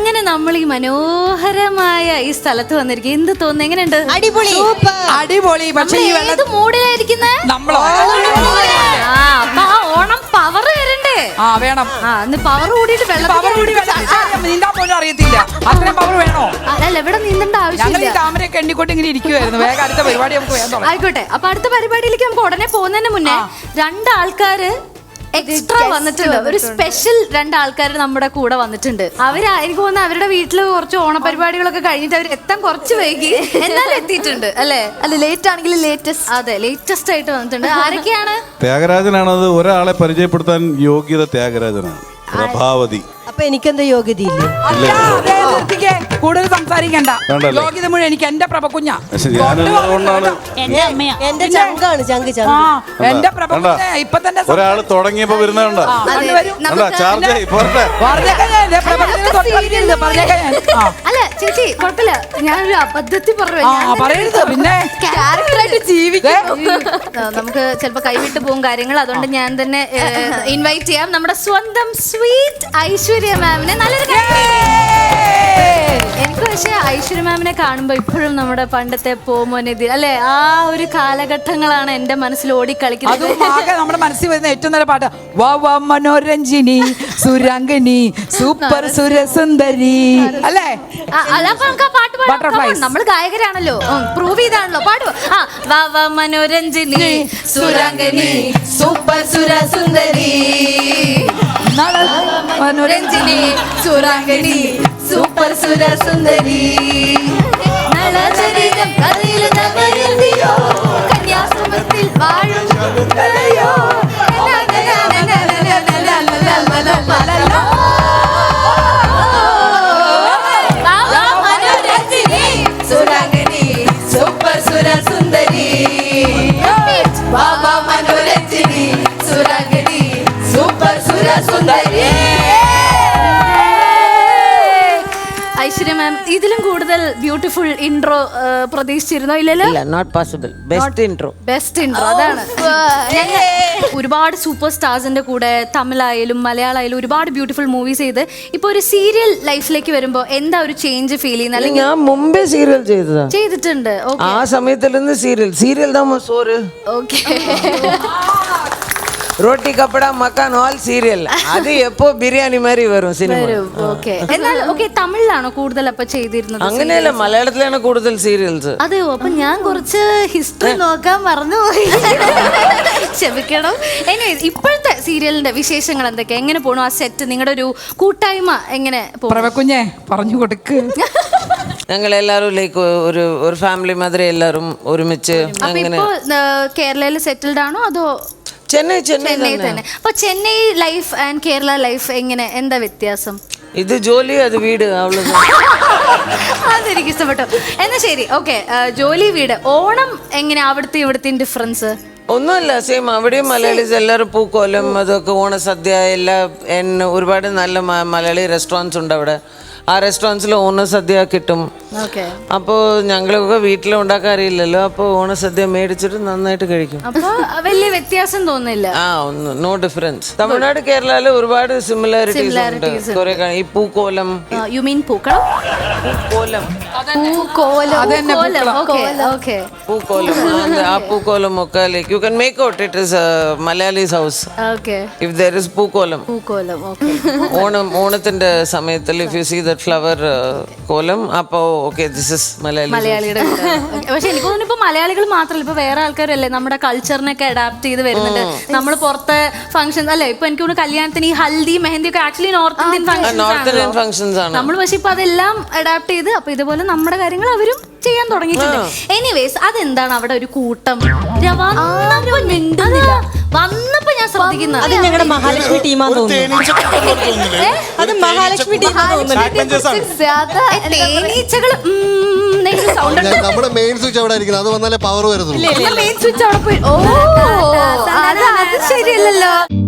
അങ്ങനെ നമ്മൾ ഈ മനോഹരമായ ഈ സ്ഥലത്ത് വന്നിരിക്കും. എന്ത് തോന്നുന്നു? എങ്ങനെയുണ്ട്? അടിപൊളി അടിപൊളി. പക്ഷേ ഈ ഏത് മൂഡിലായിരിക്കുന്നേ? നമ്മളോ അപ്പൊ ആ ഓണം പവർ വരണ്ടേ? വേണം. പവർ കൂടിയിട്ട് നീന്താൻ പോലും അറിയത്തില്ല. അത്രയും പവർ വേണോ? അല്ല, ഇവിടെ നീന്തേണ്ട ആവശ്യമില്ല. താമരയൊക്കെ എണ്ണിക്കൊണ്ട് ഇങ്ങനെ ഇരിക്കുവായിരുന്നു. വേഗം അടുത്ത പരിപാടി നമുക്ക് വേണം. ആയിക്കോട്ടെ. അപ്പൊ അടുത്ത പരിപാടിയിലേക്ക് നമുക്ക് ഉടനെ പോകുന്നതിന് മുന്നേ രണ്ടാൾക്കാര് എക്സ്ട്രാ വന്നിട്ടുണ്ട്. ഒരു സ്പെഷ്യൽ രണ്ടാൾക്കാർ നമ്മുടെ കൂടെ വന്നിട്ടുണ്ട്. എനിക്ക് തോന്നുന്നു അവരുടെ വീട്ടില് കുറച്ച് ഓണപരിപാടികളൊക്കെ കഴിഞ്ഞിട്ട് അവർ എത്താൻ കുറച്ച് വൈകി, എന്നാലും എത്തിയിട്ടുണ്ട് അല്ലേ? അല്ല, ലേറ്റ് ആണെങ്കിൽ ലേറ്റസ്റ്റ്. അതെ, ലേറ്റസ്റ്റ് ആയിട്ട് വന്നിട്ടുണ്ട്. ആരൊക്കെയാണ്? ത്യാഗരാജനാണത്. ഒരാളെ പരിചയപ്പെടുത്താൻ യോഗ്യത ത്യാഗരാജനാണ്. പ്രഭാവതി. അപ്പൊ എനിക്കെന്താ യോഗ്യതയില്ലേ? കൂടുതൽ സംസാരിക്കണ്ട. യോഗ്യത മുഴുവൻ എനിക്ക് എന്റെ പ്രഭകുഞ്ഞ. എന്റെ ചങ്കാണ്. ചങ്ക് എന്റെ പ്രഭകുഞ്ഞ. ഇപ്പൊ തന്നെ ഒരാള് തുടങ്ങിയപ്പോ വരുന്നുണ്ട്. അല്ല ചേച്ചി, കുഴപ്പമില്ല. ഞാനൊരു അബദ്ധത്തിൽ പറയരുത്. പിന്നെ ക്യാരക്ടറായിട്ട് ജീവിക്കും. നമുക്ക് ചിലപ്പോ കൈവിട്ട് പോകും കാര്യങ്ങൾ. അതുകൊണ്ട് ഞാൻ തന്നെ ഇൻവൈറ്റ് ചെയ്യാം നമ്മുടെ സ്വന്തം സ്വീറ്റ് ഐശ്വര്യ മാമിനെ. നല്ലൊരു എനിക്ക് പക്ഷേ ഐശ്വര്യ മാമിനെ കാണുമ്പോ ഇപ്പോഴും നമ്മുടെ പണ്ടത്തെ പോമോനെതിൽ അല്ലെ, ആ ഒരു കാലഘട്ടങ്ങളാണ് എന്റെ മനസ്സിൽ ഓടിക്കളിക്കുന്നത്. നമ്മുടെ മനസ്സിൽ വരുന്ന ഏറ്റവും നല്ല പാട്ട് വാ മനോരഞ്ജിനി സുരംഗിനി സൂപ്പർ സുരസുന്ദരി അല്ലേ? അപ്പൊ നമുക്ക് ആ പാട്ട് പാടാം. നമ്മൾ ഗായകരാണല്ലോ, പ്രൂവ് ചെയ്താണല്ലോ. പാടുവോ? വാ മനോരഞ്ജിനി സുരംഗിനി സൂപ്പർ സുരസുന്ദരി മനോരഞ്ജിനി സുരംഗിനി സൂപ്പർ സുരസുന്ദരി നളചരിതം കഥയിൽ നവയന്തിയോ കന്യാശ്രമത്തിൽ വാഴും മനോരഞ്ജിനി സുരംഗിനി സൂപ്പർ സുരസുന്ദരി വാ മനോരഞ്ജിനി സുരംഗിനി സൂപ്പർ സുരസുന്ദരി. ഐശ്വര്യ മാം, ഇതിലും കൂടുതൽ ബ്യൂട്ടിഫുൾ ഇൻട്രോ പ്രതീക്ഷിച്ചിരുന്നോ? ഇല്ലല്ലോ. Not possible. Best intro. അതാണ്. ഒരുപാട് സൂപ്പർ സ്റ്റാർസിന്റെ കൂടെ തമിഴായാലും മലയാളമായാലും ഒരുപാട് ബ്യൂട്ടിഫുൾ മൂവീസ് ചെയ്ത് ഇപ്പൊ ഒരു സീരിയൽ ലൈഫിലേക്ക് വരുമ്പോ എന്താ ഒരു ചേഞ്ച് ഫീൽ ചെയ്യുന്നത്? ഞാൻ മുമ്പേ സീരിയൽ ചെയ്തിട്ടുണ്ട്. ആ സമയത്തിലിருந்து സീരിയൽ தான் സോറ്. Okay. Roti Kapda Makaan all serial. അത് എപ്പോ ബിരിയാണി മാതിരി വരും സിനിമ. എന്നാൽ തമിഴിലാണോ കൂടുതൽ അപ്പൊ ചെയ്തിരുന്നത്? അങ്ങനെയല്ല, മലയാളത്തിലാണ് കൂടുതൽ സീരിയൽസ്. അതെയോ? അപ്പൊ ഞാൻ കുറച്ച് ഹിസ്റ്ററി നോക്കാൻ മറന്നുപോയി, ക്ഷമിക്കണം. ഇപ്പോഴത്തെ സീരിയലിന്റെ വിശേഷങ്ങൾ എന്തൊക്കെയാ? എങ്ങനെ പോണു ആ സെറ്റ്? നിങ്ങളുടെ ഒരു കൂട്ടായ്മ എങ്ങനെ കുഞ്ഞെ പറഞ്ഞു കൊടുക്ക്. ഞങ്ങൾ എല്ലാവരും ലൈക്ക് ഒരു ഫാമിലി മാതിരി എല്ലാവരും ഒരുമിച്ച്. അങ്ങനെ കേരളയിൽ സെറ്റിൽഡ് ആണോ അതോ ചെന്നൈ തന്നെ? അപ്പൊ Chennai life and Kerala life എങ്ങനെ, എന്താ വ്യത്യാസം? ഇത് ജോലി, അത് വീട്. അതെനിക്ക് ഇഷ്ടപ്പെട്ടു. എന്നാ ശരി, ഓക്കെ. ജോലി വീട് ഓണം എങ്ങനെ അവിടുത്തെ ഇവിടുത്തെ ഡിഫറൻസ്? ഒന്നുമില്ല, സെയിം. അവിടെയും മലയാളീസ് എല്ലാവരും പൂക്കോലം അതൊക്കെ ഓണസദ്യ എല്ലാം. ഒരുപാട് നല്ല മലയാളി റെസ്റ്റോറൻറ്റ്സ് ഉണ്ട് അവിടെ. ആ റെസ്റ്റോറൻറ്റ്സിൽ ഓണസദ്യ കിട്ടും. അപ്പോൾ ഞങ്ങളൊക്കെ വീട്ടിൽ ഉണ്ടാക്കാൻ അറിയില്ലല്ലോ, അപ്പോൾ ഓണസദ്യ മേടിച്ചിട്ട് നന്നായിട്ട് കഴിക്കും. വലിയ വ്യത്യാസം തോന്നില്ല. No difference. തമിഴ്നാട് കേരളയിൽ ഒരുപാട് സിമിലാരിറ്റീസ് ഉണ്ട്. കുറെ ഈ പൂക്കോലം. യു മീൻ പൂക്കളം? പൂക്കോലം. ആ പൂക്കോലം ഒക്കെ like you can make out it is Malayali's house. If there is പൂക്കോലം. ഓണത്തിന്റെ സമയത്തിൽ if you see that flower കോലം, അപ്പോ ഓക്കെ ദിസ് ഇസ് മലയാളിയുടെ. പക്ഷെ എനിക്ക് തോന്നുന്നു ഇപ്പൊ മലയാളികൾ മാത്രമല്ല, ഇപ്പൊ വേറെ ആൾക്കാരല്ലേ നമ്മുടെ കൾച്ചറിനൊക്കെ അഡാപ്റ്റ് ചെയ്ത് വരുന്നുണ്ട്. നമ്മൾ പുറത്തെ ഫംഗ്ഷൻ അല്ലെ, ഇപ്പൊ എനിക്ക് തോന്നുന്നു കല്യാണത്തിന് ഈ ഹൽദി മെഹന്തി ഒക്കെ ആക്ച്വലി നോർത്ത് ഇന്ത്യൻ ഫംഗ്ഷൻസ് ആണ്. നമ്മൾ പക്ഷെ ഇപ്പൊ അതെല്ലാം അഡാപ്റ്റ് ചെയ്ത് അപ്പൊ ഇതുപോലെ നമ്മുടെ കാര്യങ്ങൾ അവരും ചെയ്യാൻ തുടങ്ങിയിട്ടുണ്ട്. എനിവേസ്, അതെന്താണ് അവിടെ ഒരു കൂട്ടം വന്നപ്പോ ഞാൻ ശ്രദ്ധിക്കുന്നത്? അത് ഞങ്ങളുടെ മഹാലക്ഷ്മി ടീമാന്ന് തോന്നുന്നു. അത് മഹാലക്ഷ്മി നമ്മുടെ മെയിൻ സ്വിച്ച് അവിടെ ഇരിക്കുന്നത്, അത് വന്നാലേ പവർ വരുന്നുള്ളൂ. മെയിൻ സ്വിച്ച് അവിടെ പോയി. ഓ, അത് ശരിയല്ലല്ലോ.